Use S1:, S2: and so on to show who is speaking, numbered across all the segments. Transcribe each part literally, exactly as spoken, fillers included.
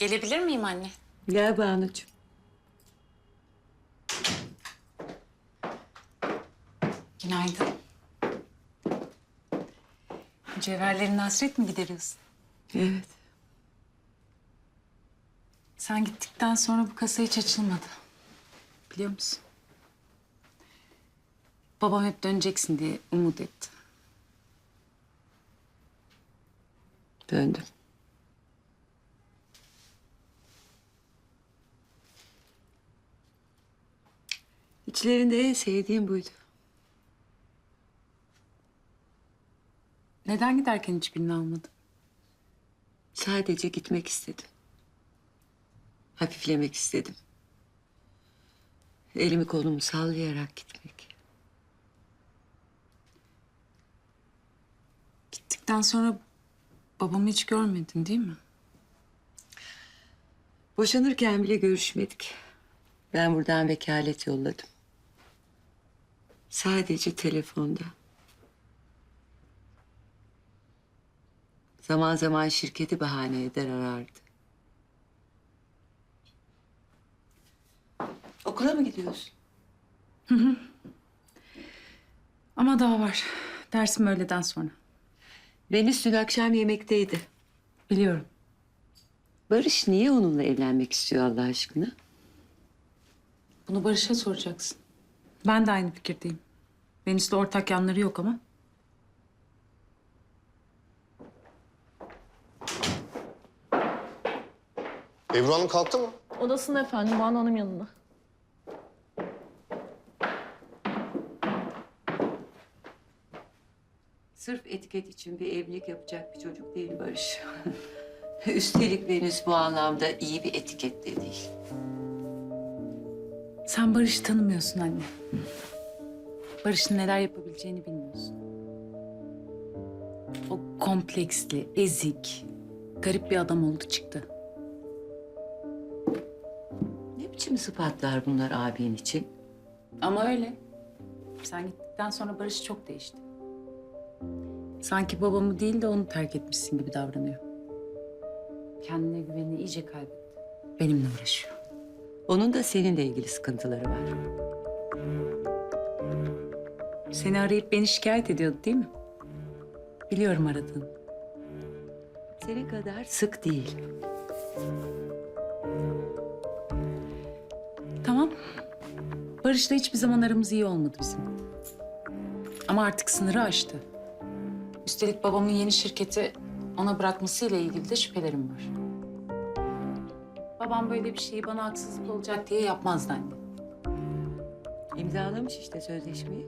S1: Gelebilir miyim anne?
S2: Gel Banucuğum.
S1: Günaydın. Mücevherlerin hasret mi gideriyorsun?
S2: Evet.
S1: Sen gittikten sonra bu kasa hiç açılmadı. Biliyor musun? Babam hep döneceksin diye umut etti.
S2: Döndüm. İçlerinde en sevdiğim buydu.
S1: Neden giderken hiçbirini almadın?
S2: Sadece gitmek istedim. Hafiflemek istedim. Elimi kolumu sallayarak gitmek.
S1: Gittikten sonra babamı hiç görmedin değil mi?
S2: Boşanırken bile görüşmedik. Ben buradan vekalet yolladım. Sadece telefonda. Zaman zaman şirketi bahane eder arardı. Okula mı gidiyorsun?
S1: Ama daha var. Dersim öğleden sonra.
S2: Deniz dün akşam yemekteydi.
S1: Biliyorum.
S2: Barış niye onunla evlenmek istiyor Allah aşkına?
S1: Bunu Barış'a soracaksın. Ben de aynı fikirdeyim. Venüs'le ortak yanları yok ama.
S3: Ebru Hanım kalktı mı?
S4: Odasında efendim, Banu Hanım yanında.
S2: Sırf etiket için bir evlilik yapacak bir çocuk değil Barış. Üstelik Venüs bu anlamda iyi bir etiket de değil.
S1: Sen Barış'ı tanımıyorsun anne. Barış'ın neler yapabileceğini bilmiyorsun. O kompleksli, ezik, garip bir adam oldu çıktı.
S2: Ne biçim sıfatlar bunlar abin için?
S1: Ama öyle. Sen gittikten sonra Barış çok değişti. Sanki babamı değil de onu terk etmişsin gibi davranıyor. Kendine güvenini iyice kaybetti. Benimle uğraşıyor.
S2: Onun da seninle ilgili sıkıntıları var.
S1: Seni arayıp beni şikayet ediyordu değil mi? Biliyorum aradığını.
S2: Senin kadar sık değil.
S1: Tamam. Barış'la hiçbir zaman aramız iyi olmadı bizim. Ama artık sınırı aştı. Üstelik babamın yeni şirketi ona bırakmasıyla ilgili de şüphelerim var. Babam böyle bir şeyi bana haksızlık olacak diye yapmazdı anne.
S2: İmzalamış işte sözleşmeyi.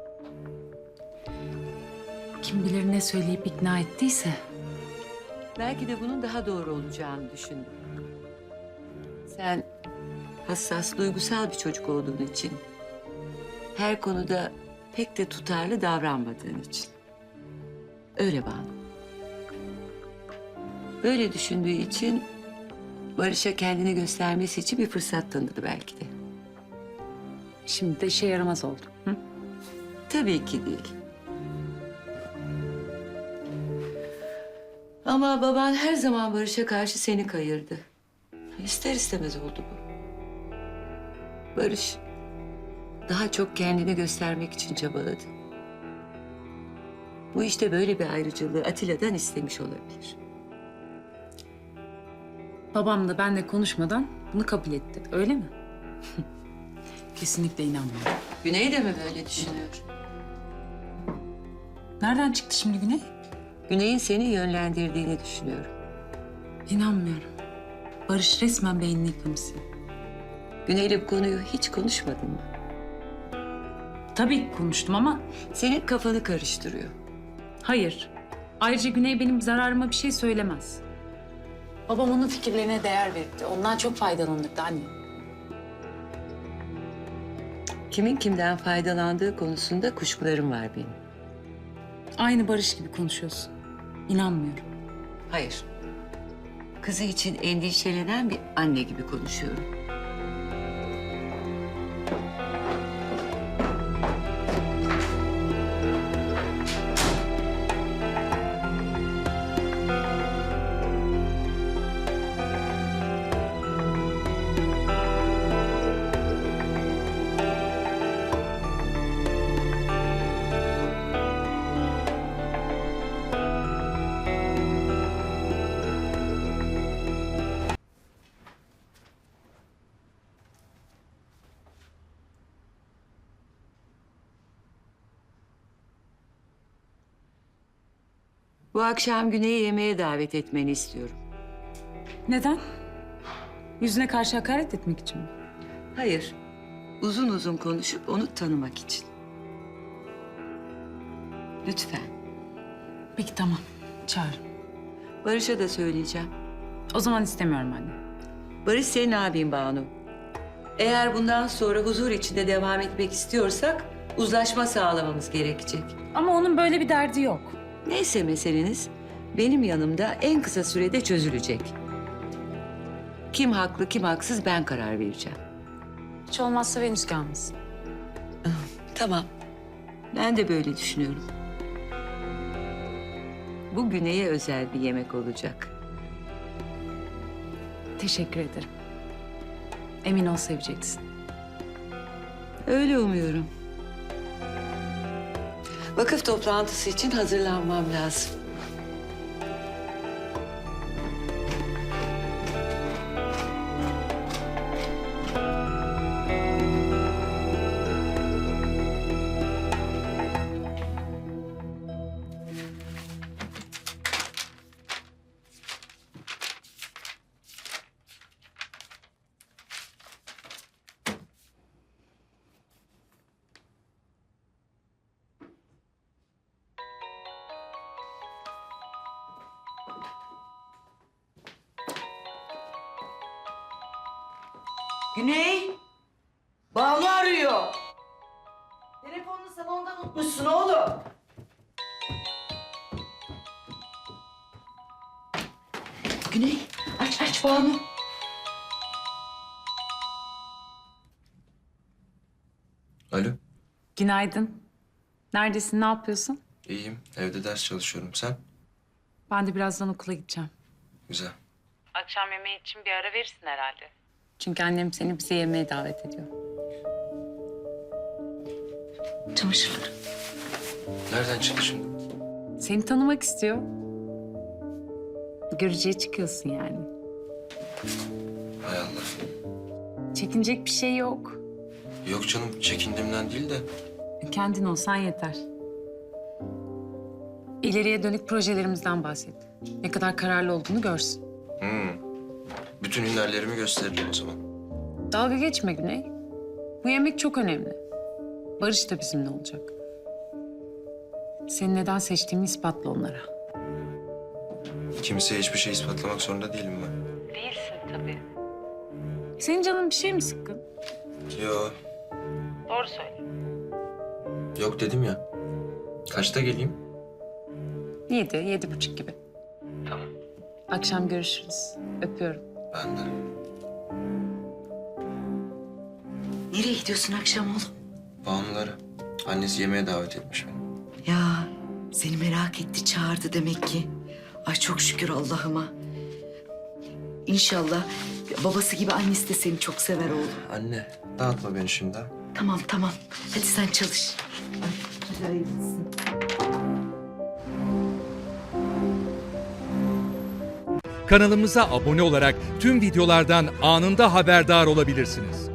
S1: Kim bilir ne söyleyip ikna ettiyse.
S2: Belki de bunun daha doğru olacağını düşündüm. Sen hassas, duygusal bir çocuk olduğun için... her konuda pek de tutarlı davranmadığın için. Öyle Banu. Böyle düşündüğü için Barış'a kendini göstermesi için bir fırsat tanıdı belki de.
S1: Şimdi de işe yaramaz oldu. Hı?
S2: Tabii ki değil. Ama baban her zaman Barış'a karşı seni kayırdı. İster istemez oldu bu. Barış daha çok kendini göstermek için çabaladı. Bu işte böyle bir ayrıcalığı Atilla'dan istemiş olabilir.
S1: Babam da benimle konuşmadan bunu kabul etti. Öyle mi? Kesinlikle inanmıyorum.
S2: Güney de mi böyle düşünüyor?
S1: Nereden çıktı şimdi Güney?
S2: Güney'in seni yönlendirdiğini düşünüyorum.
S1: İnanmıyorum. Barış resmen beynini yıkamışsın.
S2: Güney'le bu konuyu hiç konuşmadın mı?
S1: Tabii ki konuştum ama
S2: Senin kafanı karıştırıyor.
S1: hayır. Ayrıca Güney benim zararıma bir şey söylemez. Babam onun fikirlerine değer verdi. Ondan çok faydalanırdı anne.
S2: Kimin kimden faydalandığı konusunda kuşkularım var benim.
S1: Aynı Barış gibi konuşuyorsun. İnanmıyorum.
S2: Hayır. Kızı için endişelenen bir anne gibi konuşuyorum. Bu akşam Güney'i yemeğe davet etmeni istiyorum.
S1: Neden? Yüzüne karşı hakaret etmek için mi?
S2: Hayır, uzun uzun konuşup onu tanımak için. Lütfen.
S1: Peki tamam. Çağır.
S2: Barış'a da söyleyeceğim.
S1: O zaman istemiyorum anne.
S2: Barış senin abin Banu. Eğer bundan sonra huzur içinde devam etmek istiyorsak uzlaşma sağlamamız gerekecek.
S1: Ama onun böyle bir derdi yok.
S2: Neyse meseleniz benim yanımda en kısa sürede çözülecek. Kim haklı kim haksız ben karar vereceğim.
S1: Hiç olmazsa Venüs gelmesin.
S2: Tamam. Ben de böyle düşünüyorum. Bu Güney'e özel bir yemek olacak.
S1: Teşekkür ederim. Emin ol seveceksin.
S2: Öyle umuyorum. Vakıf toplantısı için hazırlanmam lazım.
S5: Güney, Banu arıyor. Telefonunu salonda unutmuşsun oğlum. Güney, aç aç Banu.
S6: Alo,
S1: Günaydın. Neredesin, ne yapıyorsun?
S6: iyiyim. Evde ders çalışıyorum. Sen?
S1: Ben de birazdan okula gideceğim.
S6: Güzel.
S1: Akşam yemeği için bir ara verirsin herhalde. Çünkü annem seni bize yemeğe davet ediyor.
S5: Çamaşırları.
S6: Nereden çıktı şimdi?
S1: Seni tanımak istiyor. Görücüye çıkıyorsun yani.
S6: Hay Allah.
S1: Çekinecek bir şey yok.
S6: Yok canım, çekindiğimden değil de.
S1: Kendin olsan yeter. İleriye dönük projelerimizden bahset. Ne kadar kararlı olduğunu görsün.
S6: Hmm. Bütün hünerlerimi gösteririm o zaman.
S1: Dalga geçme Güney. Bu yemek çok önemli. Barış da bizimle olacak. Seni neden seçtiğimi ispatla onlara.
S6: Kimseye hiçbir şey ispatlamak zorunda değilim ben.
S1: Değilsin tabii. Senin canın bir şey mi sıkkın?
S6: Yok,
S1: Doğru söyle.
S6: yok dedim ya. Kaçta geleyim?
S1: Yedi, yedi buçuk gibi.
S6: Tamam.
S1: Akşam görüşürüz. Öpüyorum.
S6: Ben de.
S5: Nereye gidiyorsun akşam oğlum?
S6: Banuları. Annesi yemeğe davet etmiş beni.
S5: Ya seni merak etti, çağırdı demek ki. Ay çok şükür Allah'ıma. İnşallah babası gibi annesi de seni çok sever oğlum.
S6: Anne, dağıtma beni şimdi ha.
S5: Tamam tamam. Hadi sen çalış. Ay, hadi hayırlısı.
S7: Kanalımıza abone olarak tüm videolardan anında haberdar olabilirsiniz.